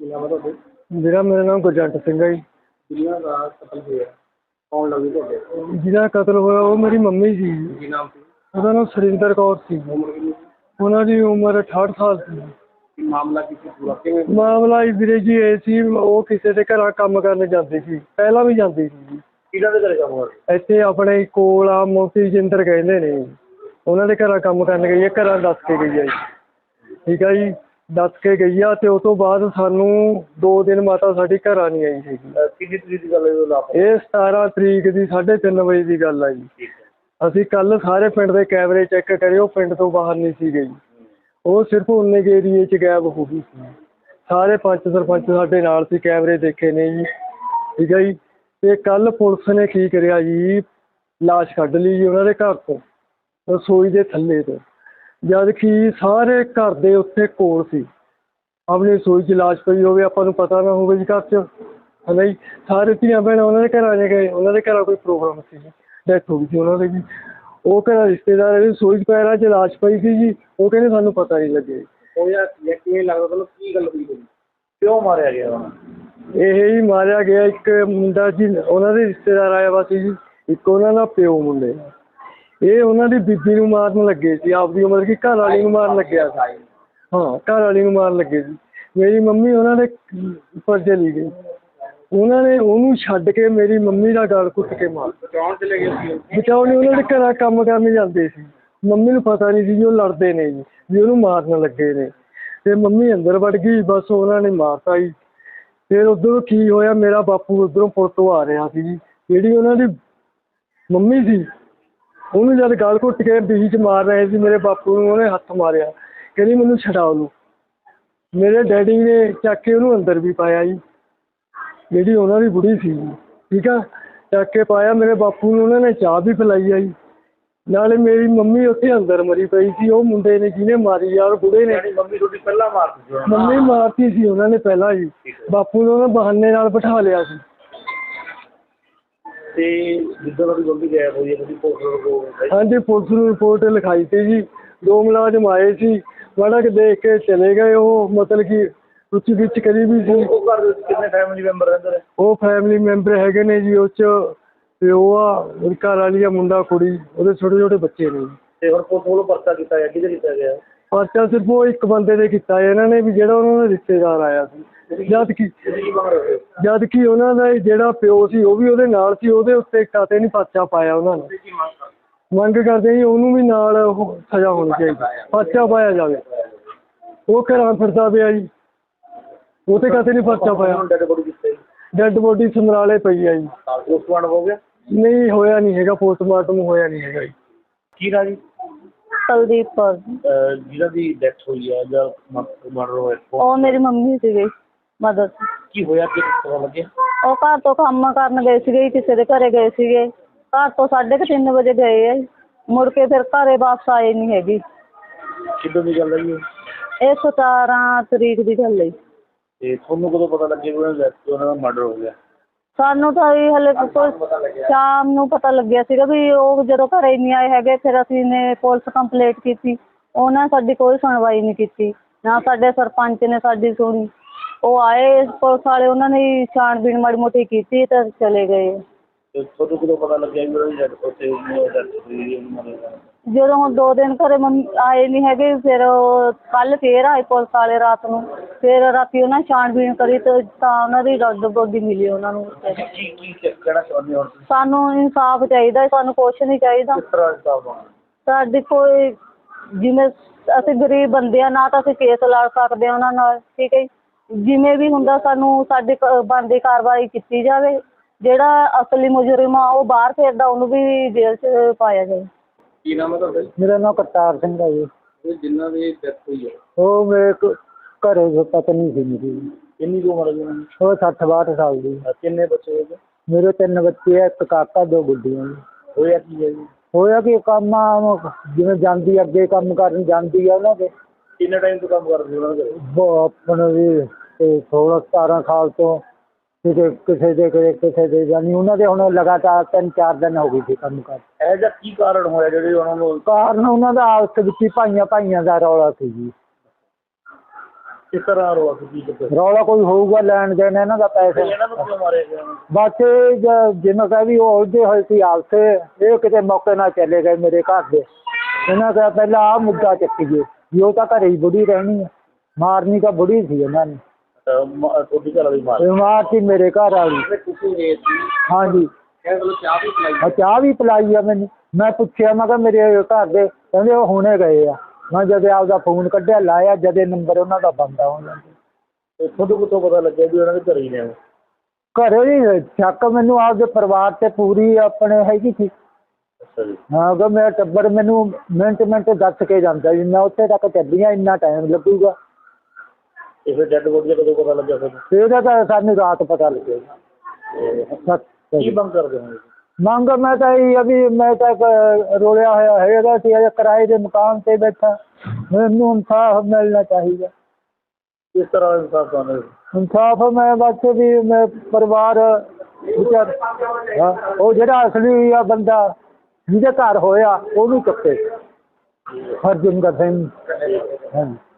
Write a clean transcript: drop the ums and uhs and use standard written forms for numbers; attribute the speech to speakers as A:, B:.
A: मेरा नाम गुरजंट सिंह है जी। जिन्हें कतल होया वो मेरी मम्मी सी। ਉਹਦਾ ਨਾਮ ਸੁਰਿੰਦਰ ਕੌਰ ਸੀ। ਉਹਨਾਂ ਦੀ ਉਮਰ 68 ਸਾਲ ਸੀ। ਮਾਮਲਾ ਵੀਰੇ ਜੀ ਇਹ ਸੀ, ਉਹ ਕਿਸੇ ਦੇ ਘਰਾਂ ਕੰਮ ਕਰਨ ਜਾਂਦੀ ਸੀ, ਪਹਿਲਾਂ ਵੀ ਜਾਂਦੀ ਸੀ ਜੀ। ਇੱਥੇ ਆਪਣੇ ਕੋਲ ਆ ਮੋਤੀ ਜਿੰਦਰ ਕਹਿੰਦੇ ਨੇ, ਉਹਨਾਂ ਦੇ ਘਰਾਂ ਕੰਮ ਕਰਨ ਗਈ ਹੈ। ਘਰਾਂ ਦੱਸ ਕੇ ਗਈ ਹੈ ਜੀ, ਠੀਕ ਹੈ ਜੀ, ਦੱਸ ਕੇ ਗਈ ਆ। ਅਤੇ ਉਹ ਤੋਂ ਬਾਅਦ ਸਾਨੂੰ 2 ਦਿਨ ਮਾਤਾ ਸਾਡੀ ਘਰਾਂ ਨਹੀਂ ਆਈ ਸੀਗੀ।
B: ਕਿੰਨੀ ਤਰੀਕ ਦੀ ਗੱਲ ਹੈ?
A: ਇਹ 17 ਤਰੀਕ ਦੀ 3:30 ਵਜੇ ਦੀ ਗੱਲ ਆ ਜੀ। ਅਸੀਂ ਕੱਲ੍ਹ ਸਾਰੇ ਪਿੰਡ ਦੇ ਕੈਮਰੇ ਚੈੱਕ ਕਰੇ, ਉਹ ਪਿੰਡ ਤੋਂ ਬਾਹਰ ਨਹੀਂ ਸੀ ਗਈ। ਉਹ ਸਿਰਫ ਉਨੇ ਕੁ ਏਰੀਏ 'ਚ ਗਾਇਬ ਹੋ ਗਈ ਸੀ। ਸਾਰੇ ਪੰਚ ਸਰਪੰਚ ਸਾਡੇ ਨਾਲ ਸੀ, ਕੈਮਰੇ ਦੇਖੇ ਨੇ ਜੀ, ਠੀਕ ਹੈ ਜੀ। ਅਤੇ ਕੱਲ੍ਹ ਪੁਲਿਸ ਨੇ ਕੀ ਕਰਿਆ ਜੀ, ਲਾਸ਼ ਕੱਢ ਲਈ ਜੀ ਉਹਨਾਂ ਦੇ ਘਰ ਤੋਂ, ਰਸੋਈ ਦੇ ਥੱਲੇ ਤੋਂ, ਜਦ ਕਿ ਸਾਰੇ ਘਰ ਦੇ ਉੱਥੇ ਕੋਲ ਸੀ। ਆਪਣੀ ਰਸੋਈ 'ਚ ਲਾਸ਼ ਪਈ ਹੋਵੇ, ਆਪਾਂ ਨੂੰ ਪਤਾ ਨਾ ਹੋਵੇ ਜੀ ਘਰ 'ਚ, ਹੈ ਨਾ ਜੀ। ਸਾਰੇ ਧੀਆਂ ਭੈਣਾਂ ਉਹਨਾਂ ਦੇ ਘਰਾਂ 'ਚ ਗਏ, ਉਹਨਾਂ ਦੇ ਘਰਾਂ ਕੋਈ ਪ੍ਰੋਗਰਾਮ ਸੀ ਜੀ, ਡੈਥ ਹੋ ਗਈ ਸੀ ਉਹਨਾਂ ਦੀ ਜੀ। ਉਹ ਘਰਾਂ ਰਿਸ਼ਤੇਦਾਰ ਰਸੋਈ 'ਚ ਪੈਰਾਂ 'ਚ ਲਾਸ਼ ਪਈ ਸੀ ਜੀ। ਉਹ ਕਹਿੰਦੇ ਸਾਨੂੰ ਪਤਾ ਨਹੀਂ ਲੱਗੇ।
B: ਕਿਵੇਂ ਲੱਗਦਾ ਤੁਹਾਨੂੰ, ਕੀ ਗੱਲ ਹੋਈ, ਕਿਉਂ ਮਾਰਿਆ ਗਿਆ ਉਹਨਾਂ?
A: ਇਹ ਹੀ ਮਾਰਿਆ ਗਿਆ, ਇੱਕ ਮੁੰਡਾ ਜੀ ਉਹਨਾਂ ਦੇ ਰਿਸ਼ਤੇਦਾਰ ਆਇਆ ਵਾ ਸੀ ਜੀ, ਇੱਕ ਉਹਨਾਂ ਦਾ ਪਿਓ ਮੁੰਡੇ, ਇਹ ਉਹਨਾਂ ਦੀ ਬੀਬੀ ਨੂੰ ਮਾਰਨ ਲੱਗੇ ਸੀ, ਆਪਦੀ ਉਮਰ ਕੀ ਘਰ ਵਾਲੀ ਨੂੰ ਮਾਰਨ ਲੱਗਿਆ ਸੀ। ਹਾਂ, ਘਰ ਵਾਲੀ ਨੂੰ ਮਾਰਨ ਲੱਗੇ ਸੀ। ਮੇਰੀ ਮੰਮੀ ਉਹਨਾਂ ਦੇ ਉੱਪਰ ਚਲੀ ਗਈ, ਉਹਨਾਂ ਨੇ ਉਹਨੂੰ ਛੱਡ ਕੇ ਮੇਰੀ ਮੰਮੀ ਦਾ ਗਲ ਘੁੱਟ ਕੇ ਮਾਰ
B: ਬਚਾਉਣ ਚਲੇ ਗਏ ਸੀ?
A: ਬਚਾਉ ਨਹੀਂ, ਉਹਨਾਂ ਦੇ ਘਰਾਂ ਕੰਮ ਕਰਨ ਜਾਂਦੇ ਸੀ। ਮੰਮੀ ਨੂੰ ਪਤਾ ਨਹੀਂ ਸੀ ਜੀ ਉਹ ਲੜਦੇ ਨੇ ਜੀ, ਵੀ ਉਹਨੂੰ ਮਾਰਨ ਲੱਗੇ ਨੇ। ਅਤੇ ਮੰਮੀ ਅੰਦਰ ਵੜ ਗਈ, ਬਸ ਉਹਨਾਂ ਨੇ ਮਾਰਤਾ ਜੀ। ਫਿਰ ਉੱਧਰੋਂ ਕੀ ਹੋਇਆ, ਮੇਰਾ ਬਾਪੂ ਉੱਧਰੋਂ ਪੁਲ ਤੋਂ ਆ ਰਿਹਾ ਸੀ ਜੀ, ਜਿਹੜੀ ਉਹਨਾਂ ਦੀ ਮੰਮੀ ਸੀ, ਉਹਨੂੰ ਜਦ ਗਲ ਘੁੱਟ ਕੇ ਬੀਹੀ 'ਚ ਮਾਰ ਰਹੇ ਸੀ, ਮੇਰੇ ਬਾਪੂ ਨੂੰ ਉਹਨੇ ਹੱਥ ਮਾਰਿਆ, ਕਹਿੰਦੀ ਮੈਨੂੰ ਛਡਾ ਉਹਨੂੰ। ਮੇਰੇ ਡੈਡੀ ਨੇ ਚੱਕ ਕੇ ਉਹਨੂੰ ਅੰਦਰ ਵੀ ਪਾਇਆ ਜੀ, ਜਿਹੜੀ ਉਹਨਾਂ ਦੀ ਬੁੜੀ ਸੀ, ਠੀਕ ਆ, ਚੱਕ ਕੇ ਪਾਇਆ। ਮੇਰੇ ਬਾਪੂ ਨੂੰ ਉਹਨਾਂ ਨੇ ਚਾਹ ਵੀ ਪਿਲਾਈ ਆ ਜੀ, ਨਾਲੇ ਮੇਰੀ ਮੰਮੀ ਉੱਥੇ ਅੰਦਰ ਮਰੀ ਪਈ ਸੀ। ਉਹ ਮੁੰਡੇ ਨੇ ਜਿਹਨੇ ਮਾਰੀ ਯਾਰ, ਬੁੜੇ ਨੇ।
B: ਮੰਮੀ ਤੁਹਾਡੀ ਪਹਿਲਾਂ ਮਾਰਤੀ ਸੀ?
A: ਮੰਮੀ ਮਾਰਤੀ ਸੀ ਉਹਨਾਂ ਨੇ ਪਹਿਲਾਂ ਜੀ, ਬਾਪੂ ਨੂੰ ਉਹਨਾਂ ਬਹਾਨੇ ਨਾਲ ਬਿਠਾ ਲਿਆ ਸੀ।
B: ਤੇ ਜਿੱਦਾਂ ਤੁਹਾਡੀ ਗਲਤੀ ਗਾਇਬ ਹੋਈ ਹੈ, ਤੁਸੀਂ
A: ਹਾਂਜੀ, ਪੁਲਿਸ ਨੂੰ ਰਿਪੋਰਟ ਲਿਖਾਈ ਸੀ ਜੀ। 2 ਮੁਲਾਜ਼ਮ ਆਏ ਸੀ, ਮਾੜਾ ਕੁ ਦੇਖ ਕੇ ਚਲੇ ਗਏ। ਉਹ ਮਤਲਬ ਕਿ ਉੱਚੀ ਵਿੱਚ ਕਰੀ ਵੀ ਸੀ।
B: ਉਹ ਘਰ ਵਿੱਚ ਕਿੰਨੇ ਫੈਮਿਲੀ ਮੈਂਬਰ ਰਹਿੰਦੇ ਨੇ?
A: ਉਹ ਫੈਮਿਲੀ ਮੈਂਬਰ ਹੈਗੇ ਨੇ ਜੀ, ਉਹ 'ਚ ਪਿਓ ਆ, ਉਹਦੀ ਘਰ ਵਾਲੀ ਆ, ਮੁੰਡਾ ਕੁੜੀ, ਉਹਦੇ ਛੋਟੇ ਛੋਟੇ ਬੱਚੇ ਨੇ ਜੀ।
B: ਤੇ ਹੁਣ ਪੁਲਿਸ ਵੱਲੋਂ ਪਰਚਾ ਕੀਤਾ ਗਿਆ, ਕਿਹਦੇ ਕੀਤਾ ਗਿਆ?
A: ਪਰਚਾ ਸਿਰਫ ਉਹ ਇੱਕ ਬੰਦੇ ਦੇ ਕੀਤਾ ਇਹਨਾਂ ਨੇ, ਵੀ ਜਿਹੜਾ ਉਹਨਾਂ ਦਾ ਰਿਸ਼ਤੇਦਾਰ ਆਇਆ ਸੀ। ਜਦ ਕਿ ਉਹਨਾਂ ਦਾ ਜਿਹੜਾ ਪਿਓ ਸੀ ਉਹ ਵੀ ਉਹਦੇ ਨਾਲ ਸੀ, ਉਹਦੇ ਉੱਤੇ ਕਾਤੇ ਨਹੀਂ ਪਰਚਾ ਪਾਇਆ ਉਹਨਾਂ ਨੇ। ਮੰਗ ਕਰਦੇ ਜੀ ਉਹਨੂੰ ਵੀ ਨਾਲ ਉਹ ਸਜ਼ਾ ਹੋਣੀ ਚਾਹੀਦੀ, ਪਰਚਾ ਪਾਇਆ ਜਾਵੇ। ਉਹ ਘਰਾਂ ਫਿਰਦਾ ਪਿਆ ਜੀ, ਉਹ 'ਤੇ ਕਾਤੇ ਨਹੀਂ ਪਰਚਾ ਪਾਇਆ। ਡੈਡ ਬੋਡੀ ਸਮਰਾਲੇ ਪਈ ਆ ਜੀ।
B: ਪੋਸਟਮਾਰਟਮ ਹੋ ਗਿਆ?
A: ਨਹੀਂ ਹੋਇਆ ਨਹੀਂ ਹੈਗਾ, ਪੋਸਟਮਾਰਟਮ ਹੋਇਆ ਨਹੀਂ ਹੈਗਾ ਜੀ।
B: ਕੀ ਨਾ ਜੀ?
C: ਕੁਲਦੀਪ ਕੌਰ।
B: ਜਿਹਨਾਂ ਦੀ ਡੈਥ ਹੋਈ ਹੈ ਜਾਂ ਮਰਡਰ ਹੋਇਆ,
C: ਉਹ ਮੇਰੀ ਮੰਮੀ ਸੀਗੀ, ਮਦਰ।
B: ਕੀ ਹੋਇਆ, ਕੀ ਪਤਾ ਲੱਗਿਆ?
C: ਉਹ ਘਰ ਤੋਂ ਕੰਮ ਕਰਨ ਗਏ ਸੀਗੇ, ਕਿਸੇ ਦੇ ਘਰੇ ਗਏ ਸੀਗੇ। ਘਰ ਤੋਂ 3:30 ਵਜੇ ਗਏ ਆ, ਮੁੜ ਕੇ ਫਿਰ ਘਰੇ ਵਾਪਸ ਆਏ ਨਹੀਂ ਹੈਗੀ।
B: ਕਿੱਦਾਂ ਦੀ ਗੱਲ ਹੈ
C: ਇਹ 17 ਤਰੀਕ ਦੀ ਗੱਲ ਹੈ।
B: ਤੇ ਤੁਹਾਨੂੰ ਕਦੋਂ ਪਤਾ ਲੱਗਿਆ ਉਹਨਾਂ ਦਾ ਮਰਡਰ ਹੋ ਗਿਆ?
C: ਸਾਨੂੰ ਤਾਂ ਇਹ ਹਲੇ ਸ਼ਾਮ ਨੂੰ ਪਤਾ ਲੱਗਿਆ ਸੀਗਾ ਵੀ ਉਹ ਜਦੋਂ ਘਰੇ ਨਹੀਂ ਆਏ ਹੈਗੇ। ਫਿਰ ਅਸੀਂ ਨੇ ਪੁਲਿਸ ਕੰਪਲੇਂਟ ਕੀਤੀ, ਉਹਨਾਂ ਸਾਡੀ ਕੋਈ ਸੁਣਵਾਈ ਨਹੀਂ ਕੀਤੀ, ਨਾ ਸਾਡੇ ਸਰਪੰਚ ਨੇ ਸਾਡੀ ਸੁਣੀ। ਉਹ ਆਏ ਪੁਲਿਸ ਵਾਲੇ, ਉਹਨਾਂ ਨੇ ਛਾਣਬੀਣ ਮਾੜੀ ਮੋਟੀ ਕੀਤੀ ਤਾਂ ਚਲੇ ਗਏ।
B: ਤੁਹਾਨੂੰ ਕਦੋਂ ਪਤਾ ਲੱਗਿਆ
C: ਜਦੋਂ ਹੁਣ 2 ਦਿਨ ਘਰੇ ਆਏ ਨਹੀਂ ਹੈਗੇ, ਫਿਰ ਕੱਲ੍ਹ ਫੇਰ ਆਏ ਪੁਲਿਸ ਵਾਲੇ ਰਾਤ ਨੂੰ। ਫਿਰ ਰਾਤੀ ਉਹਨਾਂ ਛਾਣਬੀਣ ਕਰੀ ਤਾਂ ਉਹਨਾਂ ਦੀ ਡੈਡ ਬੋਡੀ ਮਿਲੀ ਉਹਨਾਂ ਨੂੰ। ਸਾਨੂੰ ਇਨਸਾਫ ਚਾਹੀਦਾ, ਸਾਨੂੰ ਕੁਛ ਨਹੀਂ ਚਾਹੀਦਾ। ਸਾਡੀ ਕੋਈ, ਜਿਵੇਂ ਅਸੀਂ ਗਰੀਬ ਬੰਦੇ ਆ, ਨਾ ਤਾਂ ਅਸੀਂ ਕੇਸ ਲੜ ਸਕਦੇ ਹਾਂ ਉਹਨਾਂ ਨਾਲ, ਠੀਕ ਹੈ। ਜਿਵੇਂ ਵੀ ਹੁੰਦਾ ਸਾਨੂੰ ਸਾਡੀ ਬਣਦੀ ਕਾਰਵਾਈ ਕੀਤੀ ਜਾਵੇ। ਜਿਹੜਾ ਅਸਲੀ ਮੁਜਰਿਮ ਆ ਉਹ ਬਾਹਰ ਫਿਰਦਾ, ਉਹਨੂੰ ਵੀ ਜੇਲ੍ਹ 'ਚ ਪਾਇਆ ਜਾਵੇ।
B: ਕੀ ਨਾਮ ਹੈ ਤੁਹਾਡਾ?
A: ਮੇਰਾ ਨਾਮ ਕਰਤਾਰ ਸਿੰਘ ਹੈ ਜੀ।
B: ਜਿਨ੍ਹਾਂ ਦੀ ਡੈਥ ਹੋਈ ਹੈ
A: ਉਹ ਮੇਰੇ ਘਰੇ ਪਤਨੀ ਸੀ ਮੇਰੀ।
B: ਕਿੰਨੀ ਕੁ ਉਮਰ ਹੈ?
A: ਉਹ 60-62 ਸਾਲ ਦੀ।
B: ਕਿੰਨੇ ਬੱਚੇ ਹੋਏ?
A: ਮੇਰੇ 3 ਬੱਚੇ ਆ, ਇੱਕ ਕਾਕਾ, 2 ਗੁੱਡੀਆਂ ਜੀ।
B: ਹੋਇਆ ਕੀ ਹੈ ਜੀ?
A: ਹੋਇਆ ਕਿ ਕੰਮ ਜਿਵੇਂ ਜਾਂਦੀ ਅੱਗੇ ਕੰਮ ਕਰਨ ਜਾਂਦੀ ਆ ਉਹਨਾਂ ਦੇ।
B: ਕਿੰਨੇ ਟਾਈਮ ਤੋਂ ਕੰਮ ਕਰਦੇ ਉਹਨਾਂ ਦੇ?
A: ਆਪਣੇ ਵੀ 16-17 ਸਾਲ ਤੋਂ। ਕਿਸੇ ਦੇ ਜਾਨੀ ਉਹਨਾਂ ਦੇ ਹੁਣ ਲਗਾਤਾਰ 3-4 ਦਿਨ ਹੋ ਗਏ ਸੀ ਕੰਮ ਕਰ।
B: ਇਹ ਜਿਹਾ ਕੀ ਕਾਰਨ ਹੋਇਆ ਜਿਹੜੇ ਉਹਨਾਂ ਨੂੰ?
A: ਕਾਰਨ ਉਹਨਾਂ ਦਾ ਆਪਸ ਵਿੱਚ ਹੀ ਭਾਈਆਂ ਦਾ ਰੌਲਾ ਸੀ ਜੀ।
B: ਕਿਸ ਤਰ੍ਹਾਂ ਰੋਲਾ ਸੀ, ਕੀ ਚੱਕਰ?
D: ਰੌਲਾ ਕੋਈ ਹੋਊਗਾ ਲੈਣ ਦੇਣ ਇਹਨਾਂ ਦਾ ਪੈਸੇ।
B: ਇਹਨਾਂ ਨੂੰ ਕਿਉਂ ਮਾਰਿਆ ਗਿਆ?
D: ਬਸ ਜਿਵੇਂ ਕਹੇ ਵੀ ਉਹ ਉਲਝੇ ਹੋਏ ਸੀ ਆਪਸੇ, ਇਹ ਕਿਤੇ ਮੌਕੇ ਨਾਲ ਚਲੇ ਗਏ ਮੇਰੇ ਘਰ ਦੇ। ਇਹਨਾਂ ਦਾ ਪਹਿਲਾਂ ਆਹ ਮੁੱਦਾ ਚੱਕੀਏ ਵੀ ਉਹ ਤਾਂ ਘਰੇ ਹੀ ਬੁੜੀ ਰਹਿਣੀ ਹੈ, ਮਾਰਨੀ ਤਾਂ ਬੁੜੀ ਸੀ ਇਹਨਾਂ ਨੇ।
B: ਤੁਹਾਡੀ ਘਰ ਵਾਲੀ ਮਾਰ
D: ਮਾਰਤੀ ਮੇਰੇ ਘਰ ਵਾਲੀ।
B: ਤੁਸੀਂ ਰੇਤ ਸੀ,
D: ਹਾਂਜੀ
B: ਇਹ ਵੱਲੋਂ ਚਾਹ ਵੀ ਪਿਲਾਈ?
D: ਚਾਹ ਵੀ ਪਿਲਾਈ ਆ ਮੈਨੂੰ। ਮੈਂ ਪੁੱਛਿਆ, ਮੈਂ ਕਿਹਾ ਮੇਰੇ ਘਰ ਦੇ, ਕਹਿੰਦੇ ਉਹ ਹੁਣੇ ਗਏ ਆ। ਮੈਂ ਜਦ ਆਪਦਾ ਫੋਨ ਕੱਢਿਆ ਲਾਇਆ, ਜਦੇ ਨੰਬਰ ਉਹਨਾਂ ਦਾ ਬੰਦ ਆ ਉਹਨਾਂ ਦਾ।
B: ਤੁਹਾਨੂੰ ਕਿੱਥੋਂ ਪਤਾ ਲੱਗਿਆ ਵੀ ਉਹਨਾਂ ਦੇ ਘਰੇ ਹੀ ਨੇ ਉਹ?
D: ਘਰੇ ਹੀ ਸ਼ੱਕ ਮੈਨੂੰ ਆਪਦੇ ਪਰਿਵਾਰ ਤੇ ਪੂਰੀ ਆਪਣੇ ਹੈਗੀ ਸੀ।
B: ਅੱਛਾ ਜੀ।
D: ਹਾਂ ਅਗਰ ਮੇਰਾ ਟੱਬਰ ਮੈਨੂੰ ਮਿੰਟ ਦੱਸ ਕੇ ਜਾਂਦਾ ਜੀ ਮੈਂ ਉੱਥੇ ਤੱਕ ਚੱਲੀਆਂ, ਇੰਨਾ ਟਾਈਮ ਲੱਗੂਗਾ।
B: ਇਹ ਫਿਰ ਡੈਡ ਬੋਡੀ ਦਾ ਕਦੋਂ ਪਤਾ ਲੱਗਿਆ ਤੁਹਾਨੂੰ?
D: ਇਹਦਾ ਤਾਂ ਸਾਨੂੰ ਰਾਤ ਪਤਾ ਲੱਗੇਗਾ।
B: ਕੀ ਮੰਗ ਕਰਦੇ ਹੋ?
D: ਮੰਗ ਮੈਂ ਤਾਂ ਇਹ ਆ ਵੀ ਮੈਂ ਤਾਂ ਰੋਲਿਆ ਹੋਇਆ ਹੈਗਾ ਸੀ, ਅਜੇ ਕਿਰਾਏ ਦੇ ਮਕਾਨ ਤੇ ਬੈਠਾ, ਮੈਨੂੰ ਇਨਸਾਫ ਮਿਲਣਾ ਚਾਹੀਦਾ।
B: ਕਿਸ ਤਰ੍ਹਾਂ ਇਨਸਾਫ ਚਾਹੁੰਦੇ ਹੋ?
D: ਇਨਸਾਫ ਮੈਂ ਬਸ ਵੀ ਮੈਂ ਪਰਿਵਾਰ ਵਿਚਾਰ ਉਹ ਜਿਹੜਾ ਅਸਲੀ ਆ ਬੰਦਾ ਜਿਹਦੇ ਘਰ ਹੋਇਆ ਉਹਨੂੰ ਚੱਕੇ। ਹਰਜਿੰਦਰ ਸਿੰਘ। ਹਾਂਜੀ।